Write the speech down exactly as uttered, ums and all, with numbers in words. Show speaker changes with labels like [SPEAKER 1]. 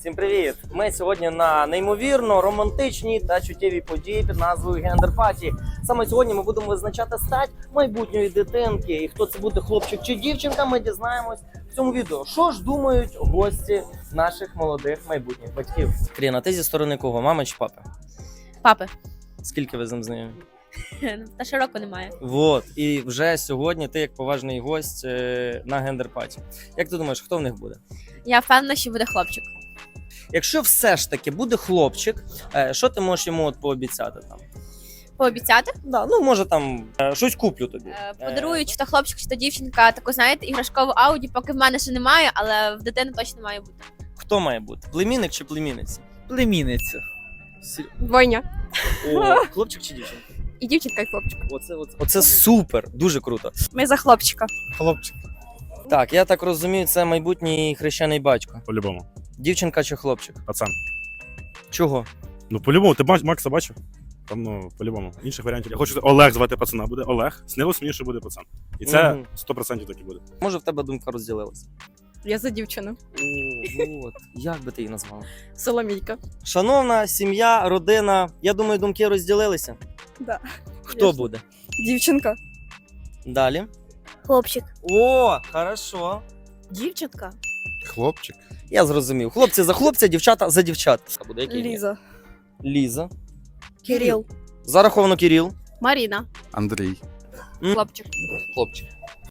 [SPEAKER 1] Всім привіт! Ми сьогодні на неймовірно романтичній та чуттєвій події під назвою гендер-паті. Саме сьогодні ми будемо визначати стать майбутньої дитинки. І хто це буде, хлопчик чи дівчинка, ми дізнаємось в цьому відео. Що ж думають гості наших молодих майбутніх батьків? Кріна, ти зі сторони кого? Мами чи папи?
[SPEAKER 2] Папи.
[SPEAKER 1] Скільки ви з ним знайомі?
[SPEAKER 2] Та широко немає.
[SPEAKER 1] Вот. І вже сьогодні ти як поважний гость е, на гендер-паті. Як ти думаєш, хто в них буде?
[SPEAKER 2] Я впевнена, що буде хлопчик.
[SPEAKER 1] Якщо все ж таки буде хлопчик, е, що ти можеш йому от пообіцяти там?
[SPEAKER 2] Пообіцяти.
[SPEAKER 1] Да, ну може там е, щось куплю тобі.
[SPEAKER 2] Е, Подарую, чи то хлопчик, чи то дівчинка, таку, знаєте, іграшкову ауді, поки в мене ще немає, але в дитини точно має бути.
[SPEAKER 1] Хто має бути? Племінник чи племінниця?
[SPEAKER 3] Племінницю.
[SPEAKER 1] Сер-
[SPEAKER 4] Двойня.
[SPEAKER 1] О, хлопчик чи дівчинка?
[SPEAKER 4] І дівчинка, і хлопчик.
[SPEAKER 1] Оце, оце, оце супер, дуже круто.
[SPEAKER 4] Ми за хлопчика.
[SPEAKER 3] Хлопчик.
[SPEAKER 1] Так, я так розумію, це майбутній хрещений батько.
[SPEAKER 5] По-любому.
[SPEAKER 1] Дівчинка чи хлопчик?
[SPEAKER 5] Пацан.
[SPEAKER 1] Чого?
[SPEAKER 5] Ну, по-любому, ти Мак- Макса бачив? Там, ну, по-любому. Інших варіантів. Я хочу Олег звати пацана. Буде Олег. Снилось мені, що буде пацан. І це
[SPEAKER 1] Мгм.
[SPEAKER 5] сто відсотків так і буде.
[SPEAKER 1] Може в тебе думка розділилася?
[SPEAKER 4] Я за дівчину.
[SPEAKER 1] О, от. Як би ти її назвала?
[SPEAKER 4] Соломійка.
[SPEAKER 1] Шановна сім'я, родина, я думаю, думки розділилися.
[SPEAKER 4] Да.
[SPEAKER 1] Хто
[SPEAKER 4] Конечно.
[SPEAKER 1] буде?
[SPEAKER 4] Дівчинка.
[SPEAKER 1] Далі.
[SPEAKER 2] Хлопчик.
[SPEAKER 1] О, хорошо.
[SPEAKER 2] Дівчинка.
[SPEAKER 3] Хлопчик.
[SPEAKER 1] Я зрозумів. Хлопці за хлопця, дівчата за дівчат. Це буде який?
[SPEAKER 4] Ліза.
[SPEAKER 1] Ліза.
[SPEAKER 2] Кирил.
[SPEAKER 1] Зараховано Кирил.
[SPEAKER 2] Маріна.
[SPEAKER 3] Андрій.
[SPEAKER 1] М.
[SPEAKER 2] Хлопчик.
[SPEAKER 1] Хлопчик.